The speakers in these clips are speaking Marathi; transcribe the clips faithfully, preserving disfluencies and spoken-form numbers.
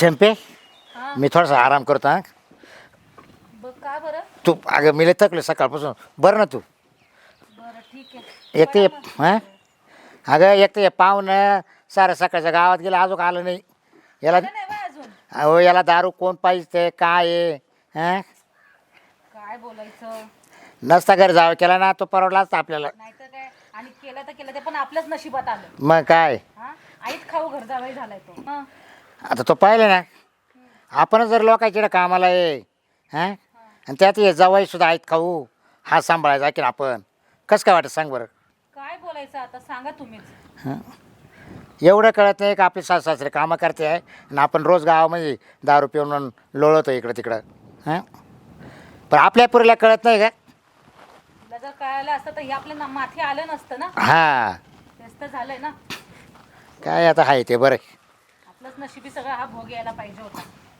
चंपे हा. मी थोडासा आराम करतो हा बघ का बरं. तू अगं मी लय थकले सकाळपासून बरं ना तू बरं ठीक आहे. एक ते बरं मग. हां अगं एक ते पाहुणं सारं सकाळच्या गावात गेलं अजून आलं नाही याला आलं नाही बा अजून. अहो याला दारू कोण पाहिजे ते काय आहे हां काय बोलायचं. नसता घरी जावं केला ना तो परवडला असता आपल्याला नाहीतर काय. आणि केलं तर केलं ते पण आपल्याच नशिबात आलं. मग काय हा आईत खाऊ घर जावई झालाय तो. हं. आता तो पाहिलं ना आपणच जर लोकांच्या कामाला आहे हां आणि त्यात ये जावाई सुद्धा आहेत खाऊ हा सांभाळायचा की आपण कसं काय वाटत सांग बरं काय बोलायचं आता सांगा तुम्हीच. हां एवढं कळत नाही का आपले सास सासरे कामं करते आहे आणि आपण रोज गावामध्ये दारू पिऊन लोळवतो इकडं तिकडं हां पण आपल्या पुरीला कळत नाही का तुला जर कळालं असतं तर हे आपल्या ना- माथी आलं नसतं ना. हां तेच तर झालंय ना. काय आता आहे ते बरं आपलंच नशिबी सगळं हा भोग यायला पाहिजे होता.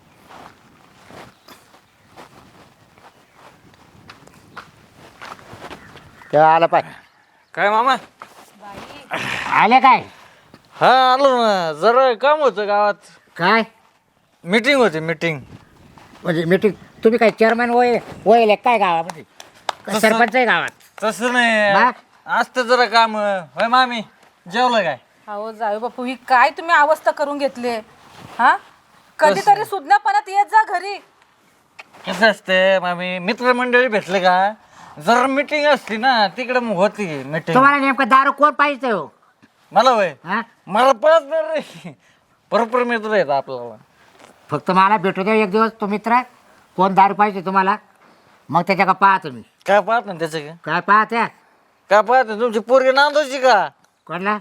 तेव्हा आलं पाय काय मामा बाई आले काय हा आलो ना जरा काम होतं गावात काय मीटिंग होती मीटिंग म्हणजे मीटिंग तुम्ही काय चेअरमॅन वय वय काय गावामध्ये का तसं- सरपंच आहे गावात तसं नाही मग? असतं जरा काम होय मामी जेवलं काय अहो जाऊ बापू ही काय तुम्ही अवस्था करून घेतली हा कधीतरी सुज्ञापणात येत जा घरी. कसं असते मामी मित्रमंडळी भेटले का जरा मीटिंग असती ना तिकडे मग होती मीटिंग तुम्हाला नेमकं दारू कोण पाहिजे हो मला होय हा मला पळत नाही रे बरोबर मित्र येत आपल्याला फक्त मला भेटू द्या एक दिवस तो मित्र कोण दारू पाहिजे तुम्हाला मग त्याच्या का पाहा तुम्ही काय पाहत ना त्याचं काय काय पाहत्या काय पाहत तुमची पोरगी नांदायची का कोणला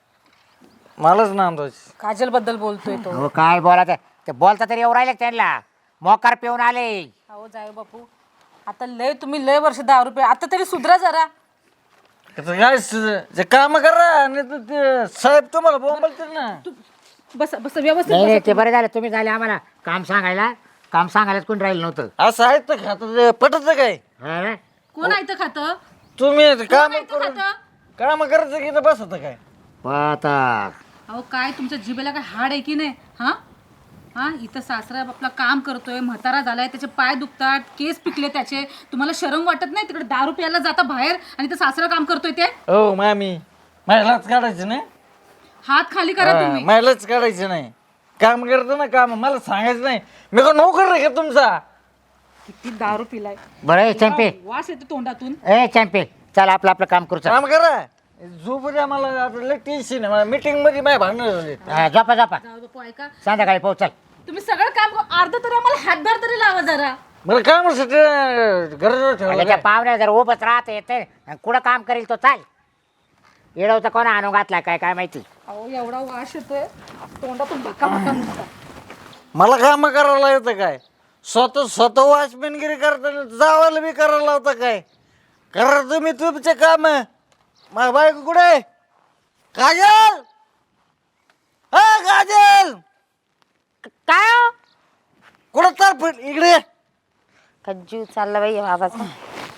मलाच नांदायची काजल बद्दल बोलतोय तो. हो काय बोला ते बोलता तरी येऊ राहिले का त्यांना मोकार पिऊन आले अहो जाऊ बापू आता लय तुम्ही लय वर्ष दहा रुपये आता तरी सुधरा जरा. त्याचं काय स- जे काम करा आणि ते- ते साहेब तुम्हाला बोंबलतील ना बस बस व्यवस्थित नाही नाही बसा ते बरं झालं तुम्ही झाले आम्हाला काम सांगायला काम सांगायलाच कोणी राहिलं नव्हतं असं आहे तर खात पटत काय हा ना? कोण आहे तर खातं तुम्ही काम कोण आहे तर करून खातं? काम करायचं की इथं बसत काय पाहता अहो काय तुमच्या जिभेला काय हाड आहे की नाही हा हा इथं सासरा आपला काम करतोय म्हातारा झालाय त्याचे पाय दुखतात केस पिकले त्याचे तुम्हाला शरम वाटत नाही तिकडे दारू प्यायला जाता बाहेर आणि इथं सासरा काम करतोय ते हो मामी महिलाच काढायचं नाही हात खाली करा हा, तुम्ही. महिलाच काढायचं नाही काम करतो ना काम मला सांगायचं नाही मी का नोकर आहे का तुमचा किती दारू पिलाय बरं ए चॅम्पे वास येतो तोंडातून. ए चॅम्पे चल आपलं आपलं काम करू चल काम करा झोप द्या मला आता लय टेन्शन आहे मला मीटिंग मध्ये माझ्या भांडण झाले हा, झोपा झोपा जाऊ बापू ऐका संध्याकाळी पाहू चल तुम्ही सगळं काम अर्ध तरी आम्हाला हातभार तरी लावा जरा. मला कामासाठी गरज ठेवलं त्याच्या काय? पाहुण्या जर उभंच राहत येते कुठं काम करेल तो चाल येडवता कोणा आणून घातलाय काय काय माहिती अहो एवढा वास येतोय तोंडातून भक्का भक्का नुसता. मला काम करायला येतं काय स्वतः स्वतः वॉचमॅनगिरी करताना जावायला बी करायला होतं काय करा तुम्ही तुमचे काम माझ्या बायको कुठे काजल हा काजल काय हो कुठं तर फिर इकडे ये. का जीव चालला बाई बाबाचा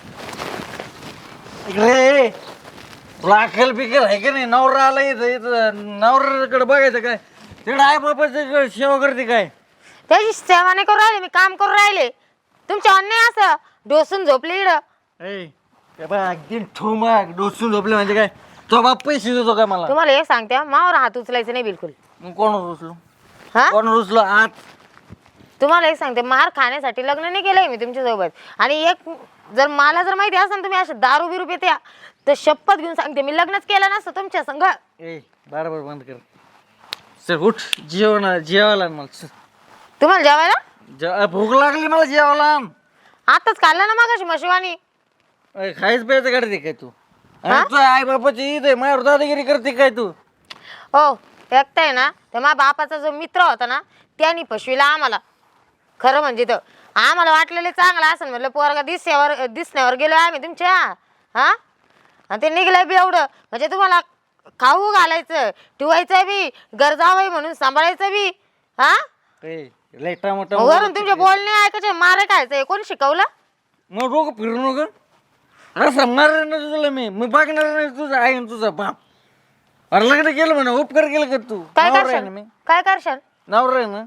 इकडे ये. तुला अक्कल बिकल आहे का नाही नवरा आला इथं इथं नवऱ्याकडे बघायचं काय तिकडे आई बापाचं सेवा करते काय त्याची सेवा नाही करून राहिले मी काम करून राहिले तुमच्या अन्याय असं डोसून झोपले इकडं ऐ ते बघ, अगदी ठोमाक डोसून झोपले म्हणजे काय तो बाप पैसे देतो काय मला तुम्हाला हे सांगते मावर हात उचलायचं नाही बिलकुल मग कोण रुचलो हा कोण रुचलो आत तुम्हाला हे सांगते मार खाण्यासाठी लग्न नाही केलंय मी तुमच्या सोबत आणि एक जर मला जर माहिती असेल तुम्ही असे दारू बिरू पित्या तर शपथ घेऊन सांगते मी लग्नच केलं नसतं तुमच्या संग. ए बरोबर बंद कर चल उठ जेवण जेवायला आण मला चल. तुम्हाला जेवायला जे- भूक लागली मला जेवायला आण. आताच खाल्लं ना मागाशी मशिवानी. अरे, खायच प्यायचं काढते काय तू हा? तुझ्या आई बापाची ईद आहे माझ्यावर दादागिरी करते काय तू हो एकटाय ना तर माझ्या बापाचा जो मित्र होता ना त्यांनी पशवीला आम्हाला खरं म्हणजे तर आम्हाला वाटलेलं चांगलं असं म्हटलं पोरगा दिसण्यावर दिसण्यावर गेलो आम्ही तुमच्या हा आणि ते निघलं बी एवढं म्हणजे तुम्हाला खाऊ घालायचं ठेवायचं बी गरजावं म्हणून सांभाळायचं बी हा ए लय टमाटा वरून तुमचे बोलणे ऐकायचे मारे खायचं कोण शिकवलं मग डोकं फिरू नको असं मारणार ना तुला मी मी बघणार नाही तुझा आई आणि तुझा बाप अरे लग्न केलं म्हणा उपकार केलं का तू काय नवरा आहे ना करशाल मी काय करशाल नवरा आहे ना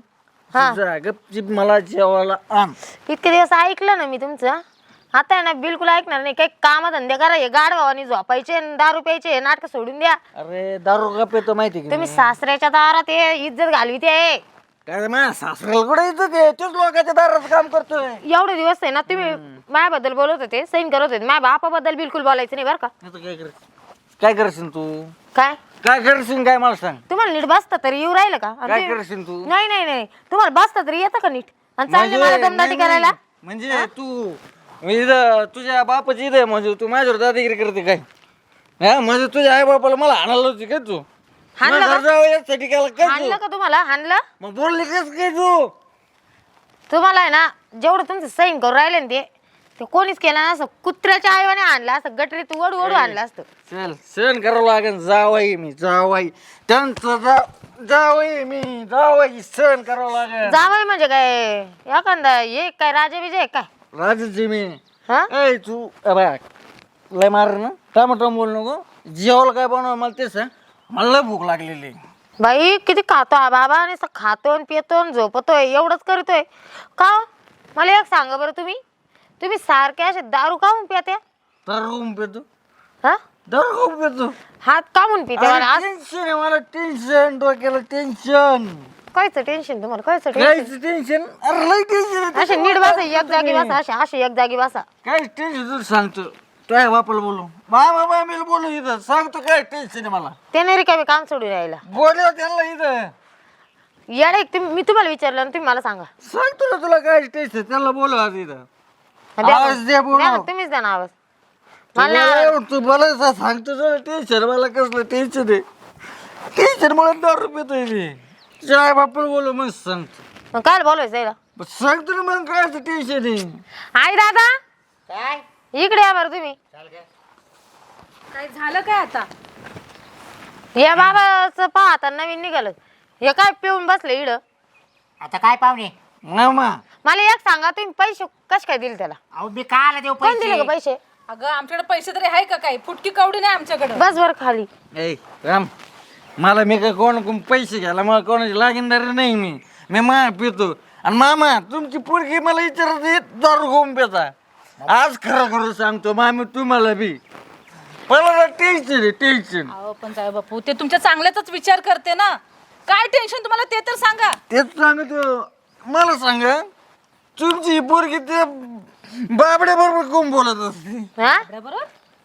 हा. जा गपचिप मला जेवायला आण. इतके दिवस ऐकलं ना मी तुमचं, आता आहे ना बिलकुल ऐकणार नाही. काही काम धंदे करा, हे गाड भावानी झोपायचे आणि दारू प्यायचे, हे नाटक सोडून द्या. अरे दारू का पितो माहिती का तुम्ही मी? सासऱ्याच्या दारात हे इज्जत घालवी ते. काय माझ्या सासऱ्याला कुठे येतं ते तोच लोकांच्या दारात काम करतोय. एवढे दिवस आहे ना तुम्ही माझ्याबद्दल बोलत होते, सैन करत होते, माझ्या बापाबद्दल बिलकुल बोलायचं नाही बरं का. आता काय कर काय करशील तू? काय काय करशील काय मला सांग. तुम्हाला नीट बसता तरी येऊ राहिलं का? आणि काय तुम्ही- करशील तू? नाही नाही नाही तुम्हाला बसता तरी येतं का नीट? आणि चालले मला म्हणजे- दमदाटी नाही, करायला. नाही. म्हणजे तू मी इथं तुझ्या बापाची इथं आहे, म्हणजे तू माझ्यावर दादागिरी करते काय? हा म्हणजे तुझ्या आई बापाला मला हाणायला होती काय तू? हाणलं मला का? घर जावं यासाठी केलं काय हाणलं तू? का तुम्हाला? हाणलं मग बोलली कस काय तू? तुम्हाला आहे ना, जेवढं तुमचं सैन करून राहिले ना ते ते कोणीच केलं ना. असं कुत्र्याच्या आईवाने आणलं असं, गटरीत ओढू ओढू आणलं असतं. चल सहन करावं लागेल. जावाई मी जावाई त्यांचं जा जावाई मी जावाई सहन करावं लागेल. जावई म्हणजे काय एखादा हे काय राजा विजय काय? राजाची मी हा ऐ तू ए बाय लय मार ना टमाटम बोल नको. जेवायला काय बनव मला ते सांग. मला लय भूक लागलेली. बाई किती खातो हा बाबा, आणि असं खातो आणि पितो आणि झोपतोय, एवढंच करतोय का हो? मला एक सांगा बरं, तुम्ही तुम्ही सारखे असे दारू काहून पित्या? दारू खाऊन पितो हा दारू खाऊन पितो. हात कामून पित्या? मला आज टेन्शन आहे मला. टेन्शन डोक्याला टेन्शन. कायचं टेन्शन तुम्हाला? कायचं टेन्शन? कायच टेन्शन? अरे लय टेन्शन. असे नीट बसा, एक जागी बसा, असे असे एक जागी बसा. काय टेन्शन तुला सांगतो. काय बापाला बोलू बाय बाबा मी बोलू इथं सांगतो काय टेन्शन आहे मला. ते नाही रिकामी काम सोडून राहिला. बोलव त्यांना इथं येडे तुम्ही, मी तुम्हाला विचारलं आणि तुम्ही मला सांगा. सांगतो ना तुला काय टेन्शन. त्यांना बोलव आज इथं. द्या आवाज मग. दे, बोलव. द्या मग, तुम्हीच द्या ना आवाज. मला तुला एवढं तू बोलायचं सांगतो तुला टेन्शन. मला कसलं टेन्शन आहे. टेन्शन मुळे दारू पितोय मी. काय बापाला बोलव मग सांगतो. मग काय बोलायचं यायला? मग सांगतो ना मग काय टेन्शन आहे. आई दादा काय इकडे या बरं तुम्ही. काय झालं काय आता? या बाबाचं पहा आता नवीन निघालं. हे काय पिऊन बसले इड. आता काय पाहुणे? मामा मला एक सांगा, तुम्ही पैसे कश काय दिले त्याला? अहो मी काला देऊ कोण दिले पैसे? का पैसे? अगं आमच्याकडे पैसे तरी आहे का? काही फुटकी कवडी नाही आमच्याकडे. बस वर खाली. ए राम मला मी काय कोण कोण पैसे घ्यायला मला कोणाची लागीनदार नाही. मी मी मा पितो. आणि मामा तुमची पोरगी मला विचारत येत दारू खाऊन पिता. आज खरं खरं सांगतो मामी तुम्हाला बी मला टेन्शन आहे टेन्शन. अहो पण जाऊ बापू, ते तुमच्या चांगल्याचाच विचार करते ना. काय टेन्शन तुम्हाला ते तर सांगा. तेच सांगतो. मला सांगा तुमची पोरगी ते बाबड्या बरोबर कोण बोलत असते? हा बरोबर.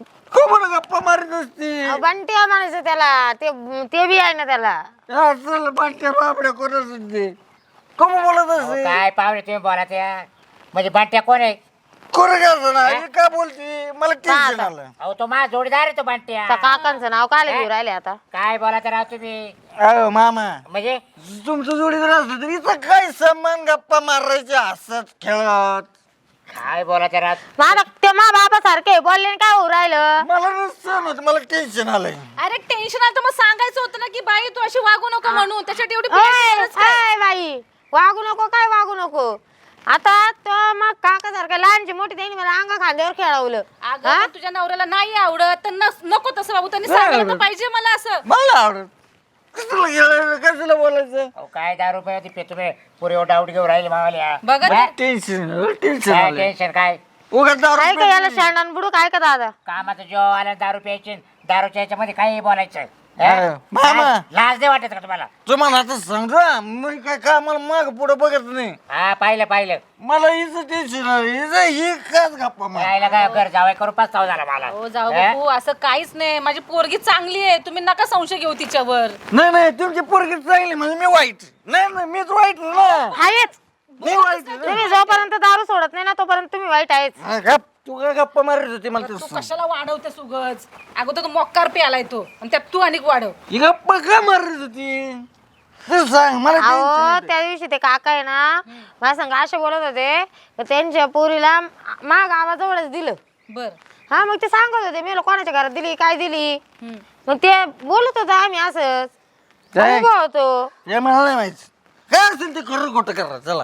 कोण गप्पा मारत असते? अहो, बंट्या म्हणायचं त्याला. ते ते बी आहे ना त्याला. असं बाटल्या बाबड्या कोण असते? कोण बोलत अहो, असते? काय पाहुणे तुम्ही बोला त्या म्हणजे बांट्या कोण आहे? कोण असं ना हे का बोलते? मला टेन्शन आलं. अहो तो माझा जोडीदार आहे तो बांट्या. त्या काकांचं नाव काय घेऊ राहिले आता? काय बोला तर राव तुम्ही अहो मामा म्हणजे तुमचं जोडीदार असलं तरी इथं काय समान गप्पा मारायचे हसत खेळत. काय बोला तर राव. माझा ते मा बाबा सारखे बोलले आणि काय होऊ राहिलं? मला नसतं होत. मला टेन्शन आलंय. अरे टेन्शन आलं तर मग सांगायचं होतं ना की बाई तू अशी वागू नको म्हणून. त्याच्यात एवढी ओय, बोलायची गरज काय? ओय बाई वागू नको काय वागू नको. आता तो मग काका सारखा लहानची मोठी त्यांनी मला अंगा खांद्यावर खेळवलं. अगं पण तुझ्या नवऱ्याला नाही आवडत तर नस- नको तसं बाबू. त्यांनी सांगितलं तर पाहिजे मला असं. मला आवडत. कसलं गेलं कसलं बोलायचं? अहो काय दहा रुपये होती पे तुम्ही पुरे डाऊट घेऊन राहिले मावाल्या. बघा काय टेन्शन टेन्शन आलंय. टेन्शन काय? उगाच दारू काय का याला शांडान बुडू काय का दादा? कामाचं जेव्हा आलं दारू प्यायचे दारूच्या याच्यामध्ये काही बोलायचं. हा, मामा. लाज- लाज नाही वाटत का तुम्हाला? तुम्हाला आता सांगतो मी काय का मला माग पुढे बघत नाही. हा पाहिलं पाहिलं. मला हिचं टेन्शन आलं. हिचं ही काच गप्पा मार. यायला काय घर जावाय करून पस्ताव झाला मला. हो जाऊ हा? बापू, असं काहीच नाही. माझी पोरगी चांगली आहे. तुम्ही नका संशय घेऊ तिच्यावर. नाही नाही तुमची पोरगी चांगली म्हणजे मी वाईट नाही नाही मीच वाईट आहे ना. आहेच. मी वाईट आहे ना. तुम्ही जोपर्यंत दारू सोडत नाही ना तोपर्यंत तुम्ही वाईट आहेच. हा, गप तू काय गप्पा मारत होती मला तू तेच सांग. कशाला वाढवतेस उगच? अगोदर तू मोक्कार पे आलाय तो आणि त्यात तू अनेक वाढव. ही गप्पा का मारत होती ते सांग मला अहो tension येतंय. त्या दिवशी ते काका आहे ना माझ्या संग असे बोलत होते तर त्यांच्या पोरीला मा गावाजवळच दिलं. बर. हा मग ते सांगत होते मी कोणाच्या घरात दिली काय दिली. मग ते बोलत होतो आम्ही असंच. काय? उभा होतो. हे मला नाही माहिती काय असेल ते खरं खोटं करा चला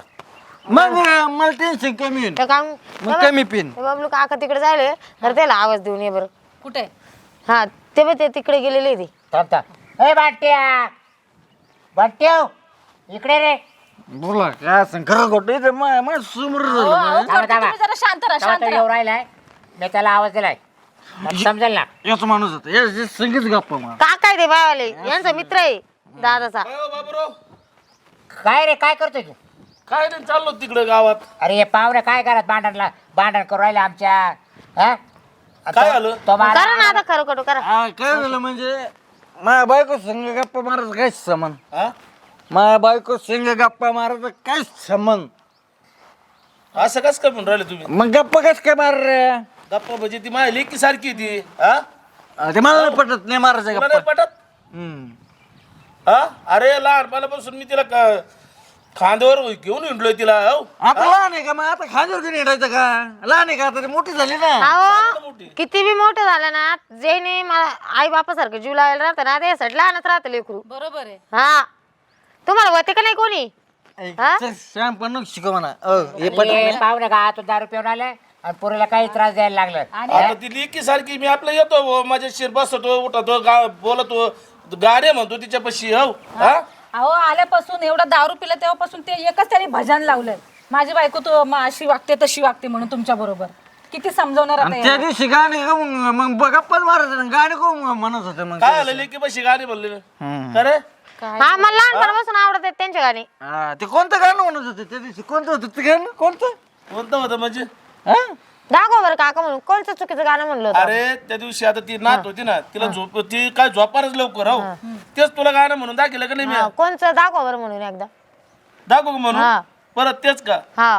मग मला टेन्शन कमी होईल. तर काम मग कमी पिन. ते बाबलू काका तिकडे जायले तर त्याला आवाज देऊन ये बरं. कुठे? हा ते बघ ते तिकडे गेलेले ते. थांब थांब. ए बांट्या बांट्या इकडे रे. बोला काय असं खरं खोटं इथे मा- मा समोर अहो, झालं अहो, मा. करते तुम्ही जरा शांत राहा तेव्हा शांत तो राहा येऊ राहिलाय मी त्याला आवाज दिलाय मग समजेल ना. याच माणूस होता या संगीत गप्पा मार का काय ते बायवाले यांचा मित्र आहे दादाचा. बाबूराव काय रे काय करतोय तू? काय नाही चाललो तिकडे गावात. अरे हे पाहुणे काय करत भांडणला भांडण करू राहिले आमच्या हा? काय तो- झालं? तो मला- करा ना आता खरं खोटं करा. हा, काय झालं म्हणजे माझ्या बायको संग गप्पा मारायचं काय समान हा? माझ्या बायको संग गप्पा मारायचं काय समान असं कस काय म्हणून राहिले तुम्ही? मग गप्पा कस काय मार रे गप्पा म्हणजे ती माझी लेकी सारखी ती हा ते मला नाही पटत नाही मारायचं तुला गप्पा नाही पटत हम्म. हा? अरे लहानपणापासून मी तिला क- खांद्यावर घेऊन हिंडलोय तिला हो. आता लहान आहे का मग आता खांद्यावर घेऊन हिंडायचं का लहान आहे का आता ती मोठी झाली ना अहो मोठी. किती बी मोठं झालं ना जे नाही मला आई बापासारखं जीव लावायला राहतं ना त्यासाठी लहानच राहतं लेकरू. बरोबर आहे. हा तुम्हाला होते का नाही कोणी हा? श्याम पण नको शिकव म्हणा अ, हे पटत हे नाही. पाहुणे का तू दारू पिऊन आले आणि पोरीला काही त्रास द्यायला लागलं आता ती लेकी सारखी मी आपलं येतो हो, माझ्या शिर बसतो उठतो गा बोलतो गाणे म्हणतो तिच्यापाशी हो हा? अहो आल्यापासून एवढा दारू पिला तेव्हापासून ते एकच त्यांनी भजन लावलंय माझी बायको तो म- अशी वागते तशी वागते म्हणून तुमच्या बरोबर किती समजवणार आता आणि त्या याला? दिवशी गाणे का मग मग गप्पाच मारायचं ना गाणे को म्हणत होते मग काय आलं लेकी पाशी गाणे म्हणले हम्म. खरे हा मला लहानपणापासून आवडत आहेत त्यांच्या गाणी. हा, ते कोणतं गाणं म्हणत होते त्या दिवशी कोणतं होतं ते गाणं कोणतं कोणतं होतं म्हणजे हा? दाखव बरं काका म्हणून कोणतं चुकीचं गाणं म्हणलं होतं. अरे त्या दिवशी आता ती नात होती ना तिला झोप ती काय झोपारच लवकर हो तेच तुला गाणं म्हणून दाखिलं का नाही मी हा, कोणचं दाखव बरं म्हणून एकदा. दाखवू का म्हणून हा. परत तेच का हा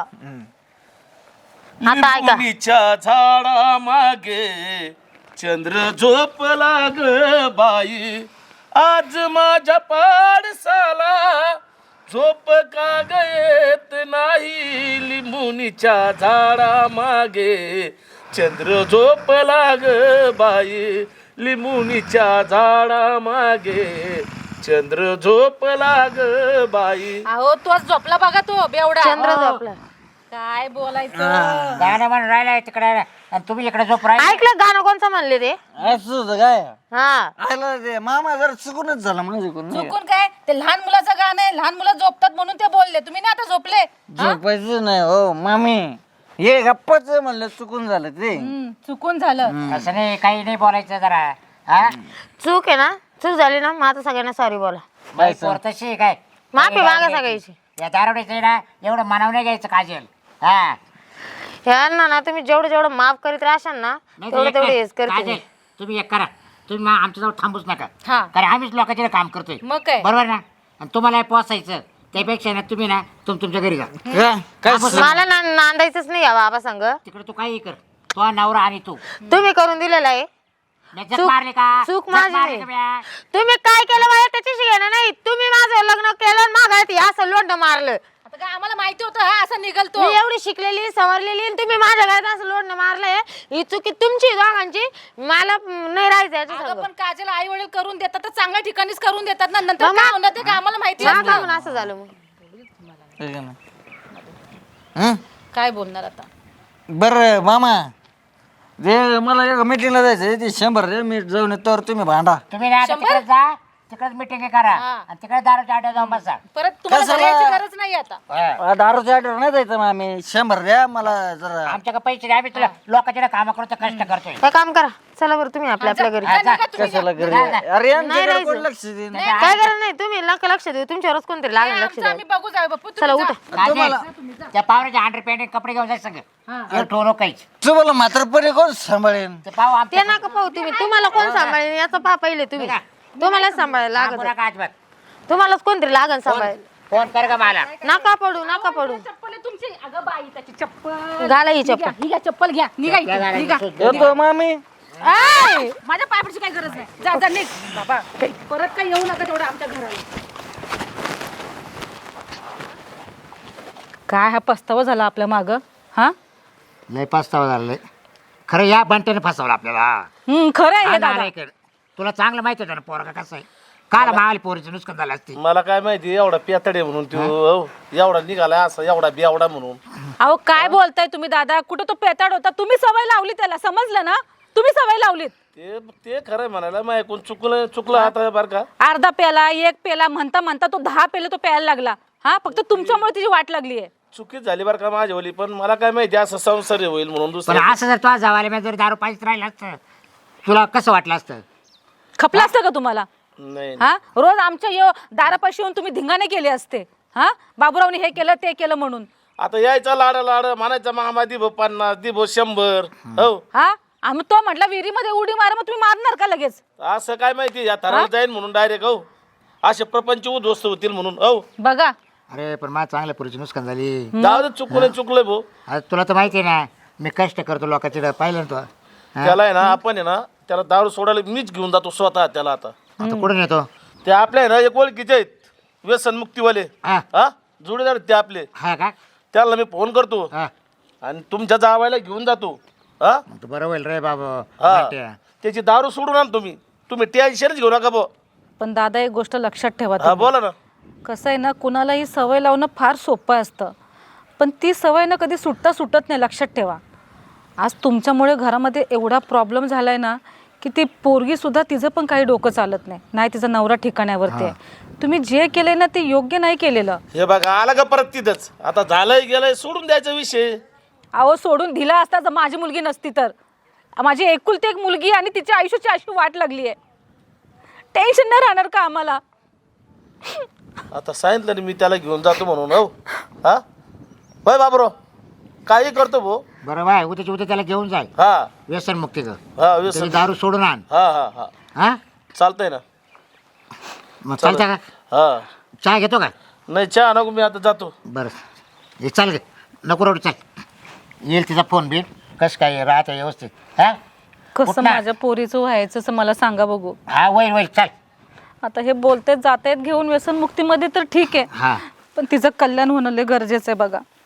आता ऐका. लिंबुनीच्या झाडा मागे चंद्र झोपला ग बाई आज माझ्या पाडसाला झोप का गयत नाही लिंबुनीच्या झाडा मागे चंद्र झोपला ग बाई लिंबुनीच्या झाडा मागे चंद्र झोपला ग बाई. अहो तोच झोपला बघा तो बेवडा चंद्र झोपला. काय बोलायचं गाणं म्हणून राहिलाय तिकडे आणि तुम्ही इकडे झोप राहिले ऐकलं गाणं कोणचं म्हणले ते. असं होतं काय हा आयला ते मामा जरा चुकूनच झाला माझ्याकडून नाही का? चुकून काय ते लहान मुलाचं गाणं आहे लहान मुलं झोपतात म्हणून ते बोलले तुम्ही ना आता झोपले झोपायचं नाही हो मामी हे गप्पाच म्हणलं चुकून झालं ते हम्म, चुकून झालं असं नाही काही नाही बोलायचं जरा हा चूक आहे ना चूक झाली ना मग आता सगळ्यांना सॉरी बोला. बाई पोर तशी आहे काय माफी मागा सगळ्याची. या दारोड्याचं ना एवढं मनावर नाही घ्यायचं काजल हा ह्यांना ना तुम्ही जेवढं जेवढं माफ करीत राहशाल ना नाही तेवढं तर एक तेवढं काय, हेच करते काजल, तुम्ही एक करा तुम्ही मा- आमच्याजवळ थांबूच नका हा कारण आम्हीच लोकांचे काम करतोय मग काय बरोबर ना आणि तुम्हाला हे पोसायचं त्यापेक्षा ना तुम्ही ना तुम तुमच्या घरी जा का- काय स- मला ना नांदायचंच नाही या बाबा संग. तिकडे तू काही कर तो नवरा आणि तू तुम्ही करून दिलेलं आहे. मी जग चूक- मारले का चूक जग माझी मारले नाही. का म्या? तुम्ही काय केलं मला त्याच्याशी घेणं नाही. तुम्ही माझं लग्न केलं मागायची असं लोंड मारलं. आता काय आम्हाला माहिती होतं हा असं निघलतो मी एवढी शिकलेली सवरलेली आणि तुम्ही माझ्या घरात असं लोंड मारलंय ही चुकी तुमची दोघांची. मला म, नाही राहायचं याच्या अगं संग. पण काजल आई वडील करून देतात तर चांगल्या ठिकाणीच करून देतात ना नंतर मग- काय होणार ते काय आम्हाला माहिती का असतं. म्हणून असं झालं मग. हे का नाही? हं? काय बोलणार आता बरं मामा ते मला एक मिटिंगला जायचं ते शंभर रे मी जाऊन येतो तुम्ही भांडा तुम्ही ना आता तिकडे जा तिकडेच मिटिंग करा हा. आणि तिकडे दारूच्या आड्या जाऊन बसा परत तुम्हाला कशाला? घरी यायची गरज नाही आता हा. दारूच्या ऑर्डर नाही जायचं मग आम्ही शंभर द्या मला जरा आमच्याकडे पैसे द्या आम्ही तुला लोकांच्या काम करतो कष्ट करतोय काय काम करा चला बरं तुम्ही आपल्या आपल्या घरी. हा, जा. कशाला घरी जा, जा. अरे यांच्याकडे राहायचं. कोण लक्ष देईन काय गरज नाही तुम्ही नका लक्ष देऊ तुमच्यावरच कोणतरी लागेल लक्ष आमचं द्या. आम्ही बघू जाऊ बापू चला तुम्ही उठा. जा. काजल, तुम्हाला- त्या पावराच्या हंड्रेड पॅन्ट कपडे घेऊन जायचं सगळं एक ठेवू काहीच तुम्हाला म्हातारपणे कोण सांभाळेन ते पाहू ते आमच्या नका पाहू तुम्ही तुम्हाला कोण सांभाळेल याचं पहा पहिले तुम्ही तुम्हालाच सांभाळायला सांगू लागत नका अजिबात तुम्हालाच कोणतरी लागन सांभाळ. फोन कर का मला नका पडू नका पडू चप्पल आहे तुमची अगं बाई त्याची चप्पल घाला ही चप्पल. ही घ्या चप्पल घ्या निघा इथून, त्या निघा गाड्या येतो मामी ऐ, माझ्या पायापडची काही गरज नाही जा जा निघ बाबा परत काही येऊ नका तेवढं आमच्या घराला काय हा पस्तावा झाला आपल्या माग हा लय पस्तावा झालं खरं या बंट्याने फसवलं आपल्याला हम्म, खरं आहे हा हे ना, दादा आलाय इकडे. तुला चांगलं माहिती होतं ना पोरगा कसं आहे काल मावाली पोरीचं नुकसान झालं असते मला काय माहिती एवढा पेतडे म्हणून तू हो, एवढा निघाला असं एवढा बेवडा म्हणून. अहो काय बोलताय तुम्ही दादा कुठं तो पेताड होता तुम्ही सवय लावली त्याला समजलं ना तुम्ही सवय लावलीत ते ते खरं म्हणायला मग ऐकून चुकलं चुकलं आता बरं का अर्धा पेला एक पेला म्हणता म्हणता तो दहा पेले तो प्यायला लागला हा फक्त तुमच्यामुळे तिची वाट लागली आहे. चुकीच झाली बरं का माझ्यावली, पण मला काय माहिती असं संसार होईल म्हणून. पण दुसरं असं जर तुझ्या जावायला मी जर दारू पाहिजे राहिलं असतं तुला कसं वाटलं असतं? खपलं असतं का तुम्हाला? नाही हा रोज आमच्या यो दारापाशी येऊन तुम्ही धिंगाणे केले असते. हा बाबूरावने हे केलं ते केलं म्हणून. आता यायचा लाड लाड म्हणायचा मामा दिभो पन्नास दिभो शंभर. हो हा आम्ही तो म्हटलं विहिरीमध्ये उडी मार, मग तुम्ही मारणार का लगेच? असं काय माहिती या थराला जाईन म्हणून डायरेक्ट. हो असे प्रपंच उद्ध्वस्त होतील म्हणून. हो बघा अरे पण माझ्या चांगल्या पुरीची नुकसान झाली. जाऊ दे, चुकलं चुकलंय भाऊ. आता तुला तर माहिती आहे ना मी कष्ट करतो लोकांचे, पाहिलं ना तू. हा? त्याला आहे ना आपण आहे ना त्याला दारू सोडायला मीच घेऊन जातो स्वतः त्याला. आता आता कुठून येतो? ते आपल्या आहे ना एक ओळखीचे आहेत व्यसन मुक्तीवाले. हा हा जोडीदार आहेत ते आपले. हा का? त्याला मी फोन करतो हा आणि तुमच्या जावायला घेऊन जातो. हा मग तर बरं होईल रे बाबा. हा माहितीये. त्याची दारू सोडून आण तुम्ही. तुम्ही टेन्शनच घेऊ नका भाऊ. पण दादा एक गोष्ट लक्षात ठेवा हा तुम्ही. बोला ना. कसं आहे ना कुणालाही सवय लावणं फार सोपं असतं, पण ती सवय ना कधी सुटता सुटत नाही. लक्षात ठेवा आज तुमच्यामुळे घरामध्ये एवढा प्रॉब्लेम झाला आहे ना की ती पोरगीसुद्धा तिचं पण काही डोकं चालत नाही. नाही तिचा नवरा ठिकाण्यावरती आहे. तुम्ही जे केलंय ना ते योग्य नाही केलेलं. हे बघा आला का परत तिथंच. आता झालंय गेलंय सोडून द्यायचा विषय. अहो सोडून दिला असता जर माझी मुलगी नसती तर. माझी एकुलती एक मुलगी आणि तिच्या आयुष्याची अशी वाट लागली आहे. टेन्शन नाही राहणार का आम्हाला? आता सांगितलं ना मी त्याला घेऊन जातो म्हणून. हो हा होय बाबरो काही करतो भाऊ. बरं बाय उद्याच्या उद्या त्याला घेऊन जाय हा व्यसन मुक्तीचं. हा त्याची व्यसन. दारू सोडून आण. हा हा हा हा चालतंय ना. मग चालतं का? हा चहा घेतो का? नाही चहा नको, मी आता जातो. बरं हे चाल गे नको रोड चाल. येईल तिचा फोन बिल कसं काय राहतं व्यवस्थित. हा कसं उठ ना. माझ्या पोरीचं व्हायचं असं मला सांगा बघू. हा वैल वैल चाल. आता हे बोलतेच जातायत घेऊन व्यसनमुक्तीमध्ये तर ठीक आहे, हा पण तिचं कल्याण होणं लय गरजेचं आहे बघा.